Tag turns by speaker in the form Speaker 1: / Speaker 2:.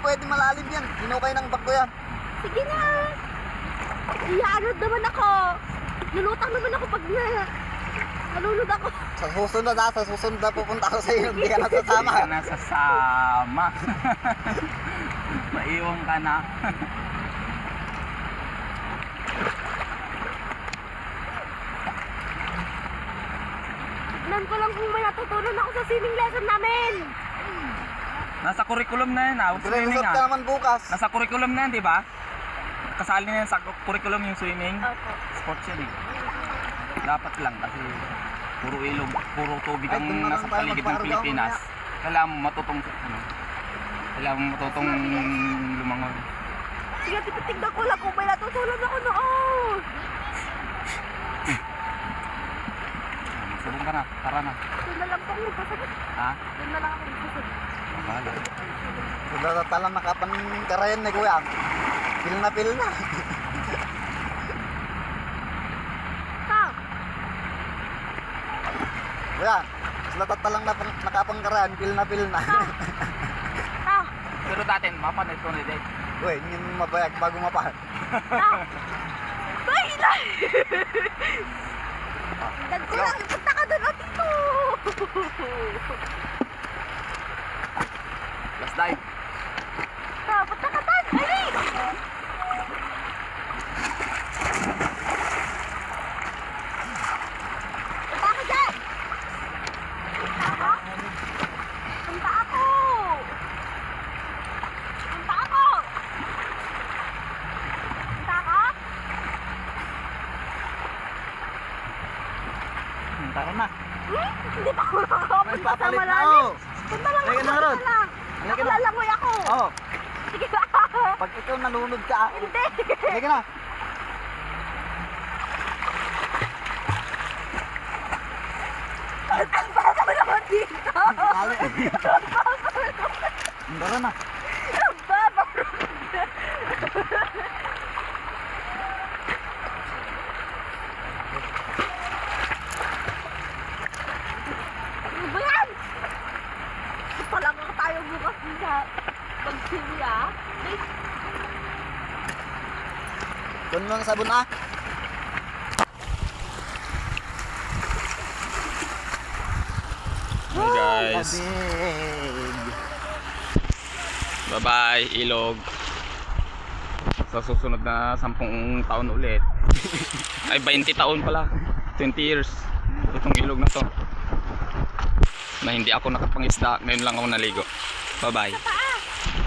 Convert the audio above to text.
Speaker 1: pwede malalim yan. Hinukay ng bag ko yan.
Speaker 2: Sige na. Iyaanod naman ako. Lulutang naman ako pag nalulod ako.
Speaker 1: Sa susunod na pupunta ako sa iyo. Hindi ka nasasama.
Speaker 3: Hindi ka nasasama. Maiwan ka na.
Speaker 2: Tignan ko lang kung may natutunan ako sa swimming lesson namin.
Speaker 3: Nasa curriculum na yan, huwag swimming
Speaker 1: Magre-resort ka naman bukas.
Speaker 3: Nasa curriculum na yan, di ba? Kasali na yan sa curriculum yung swimming.
Speaker 2: Opo.
Speaker 3: Sports yun eh. Dapat lang kasi puro ilog, puro tubig ang
Speaker 1: doon na
Speaker 3: nasa
Speaker 1: lang tayo
Speaker 3: paligid ng
Speaker 1: magparugaw
Speaker 3: Pilipinas. Kailangan mo matutong lumangoy.
Speaker 2: Sige, titignan ko lang kung may natutunan ako noon.
Speaker 3: Subong ka na, tara na.
Speaker 2: Doon na lang po ako magsasagot.
Speaker 3: Ha?
Speaker 2: Doon na lang ako magsasagot.
Speaker 3: Bahala.
Speaker 1: Sudah talang nakapan karayan na kuya. Pil na.
Speaker 2: Ta,
Speaker 1: Kuya, sudah talang nakapang karayan. Pil na.
Speaker 2: ta,
Speaker 3: Pero dati, mapanood ko na din.
Speaker 1: Uy, hindi mo mabayag bago mapahan.
Speaker 2: ta. Ay, ilay! Dad ko lang, punta ka doon, Atito!
Speaker 3: Last dive.
Speaker 2: Ta, punta ka doon! Ay! Punta ka dyan! Punta ako? Punta ako! Punta ako! Punta ako?
Speaker 1: Tara na.
Speaker 2: Hindi pa ako nakakapunta sa
Speaker 1: Papalit na
Speaker 2: malalim.
Speaker 1: ako.
Speaker 2: Punta lang
Speaker 1: Halika
Speaker 2: ako,
Speaker 1: na, Rod.
Speaker 2: punta lang.
Speaker 1: Halika na.
Speaker 2: Nakalalangoy ako.
Speaker 1: Oo.
Speaker 2: Sige na.
Speaker 1: Pag ikaw nalunod ka,
Speaker 2: Hindi.
Speaker 1: halika na.
Speaker 2: Ang baba mo naman dito.
Speaker 1: Dali. Tara na.
Speaker 2: Ang baba mo. Ano ba yan? Talaga tayo bukas sa pag-sili
Speaker 1: Doon lang sabon ah.
Speaker 3: Hey guys.
Speaker 1: Kabig.
Speaker 3: Bye-bye, ilog. Sa susunod na 10 taon ulit. Ay, 20 taon pala. 20 years. Itong ilog na to. Na hindi ako nakapangisda. Ngayon lang ako naligo. Bye-bye.